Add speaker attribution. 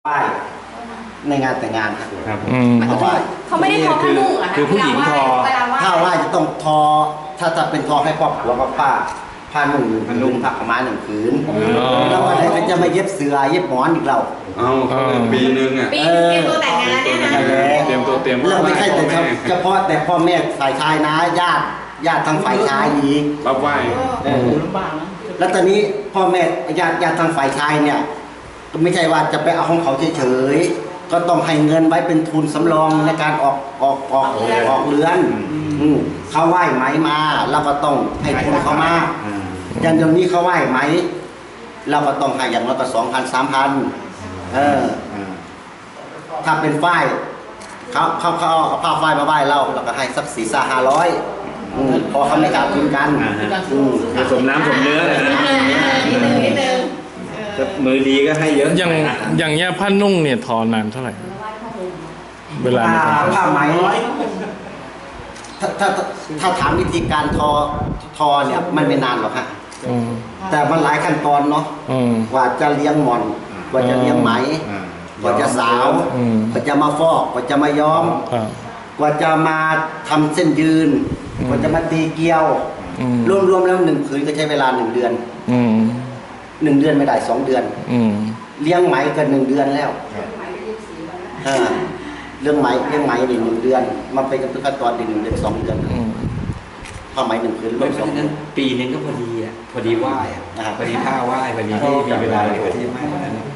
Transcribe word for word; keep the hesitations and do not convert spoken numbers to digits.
Speaker 1: ไหว้ในงานแต่งงานครับ
Speaker 2: ครับ
Speaker 3: อืม
Speaker 1: เขาไหว้
Speaker 4: เขาไม่ได้ทอผ้านุ่งเหรอคะ
Speaker 2: คือผู้หญิงทอ
Speaker 4: เวลาไหว้
Speaker 1: ถ้าไหว้จะต้องทอถ้าจะเป็นทอให้ครอบครัวกับป้าผ้านุ่งหนึ่ง
Speaker 2: ผ้านุ่
Speaker 1: ผื
Speaker 2: ง
Speaker 1: นผ้าขาวม้าหนึ่งผืน
Speaker 3: อ๋อ
Speaker 1: แล้ววันไหนก็จะมาเย็บเสือเย็บหมอนอีกเรา
Speaker 2: เอาเขาเลยปีนึงอ่ะ
Speaker 4: ปีนึงเตรียมตัวแต่งงานเนี่ยนะ
Speaker 1: เออ
Speaker 2: เตรียมตัวเตรียม
Speaker 1: เราไม่ใช่แต่เฉพาะแต่พ่อแม่ฝ่ายชายนะญาติญาติทางฝ่ายชายอีก
Speaker 2: รับไหว้
Speaker 1: เออแล้วตอนนี้พ่อแม่ญาติญาติทางฝ่ายชายเนี่ยก็ไม่ใช่ว่าจะไปเอาของเขาเฉยๆก็ต้องให้เงินไว้เป็นทุนสำรองในการออกออกออกออกเรือนอืมเขาไหว้ไหมมาเราก็ต้องให้ทุนเขามาอย่างเดี๋ยวนี้เขาไหว้ไหมเราก็ต้องให้อย่างน้อยก็สองพันสามพันเออถ้าเป็นฝ้ายเขาเขาเขาเอาผ้าฝ้ายมาไหว้เราเราก็ให้สักสี่สาห้าร้อยพอเขาไม่ขาดทุนกันอืม
Speaker 2: คือสมน้ำสมเนื้อเลยนะ
Speaker 4: นิดนึงนิดนึงเออ
Speaker 2: มือดีก็ให้เยอะ
Speaker 3: อย่างอย่างเงี้ยผ้านุ่งเนี่ยทอนานเท่าไหร่ เวลาใน
Speaker 1: ผ้า
Speaker 3: การ
Speaker 1: ผ้าไหมถ้าถ้าถ้าถามวิธีการทอทอเนี่ยมันไม่นานหรอกฮะ
Speaker 3: อืม
Speaker 1: แต่มันหลายขั้นตอนเนาะ
Speaker 3: อืม
Speaker 1: กว่าจะเลี้ยงหมอนกว่าจะเลี้ยงไหมกว่าจะสาว
Speaker 3: อืม
Speaker 1: กว่าจะมาฟอกกว่าจะมาย้อม
Speaker 3: อ่าก
Speaker 1: ว่าจะมาทำเส้นยืน
Speaker 3: อืม
Speaker 1: กว่าจะมาตีเกลียว
Speaker 3: อืม
Speaker 1: รวมๆแล้วหนึ่งผืนก็ใช้เวลาหนึ่งเดือน
Speaker 3: อืม
Speaker 1: หนึ่งเดือนไม่ได้สองเดือน
Speaker 3: อืม
Speaker 1: เลี้ยงไหมก็หนึ่งเดือนแล้วอ่าเรื่องไหมเลี้ยงไหมนี่หนึ่งเดือนมันเป็นขั้นตอนหนึ่งเดือนสองเดือน
Speaker 3: อืม
Speaker 1: ผ้าไหมหนึ่งผืนร
Speaker 5: เพ
Speaker 1: ว
Speaker 5: ราะ
Speaker 1: มสอง
Speaker 5: ฉะ
Speaker 1: เดื
Speaker 5: นั้
Speaker 1: อน น
Speaker 5: ปีนึงก็พอดีอ่ะพอดีไหว้อ่ะ
Speaker 1: นะครับ
Speaker 5: พอดีท่าไหว้พอดีที่มีเวลาเลยพอดีมากนะ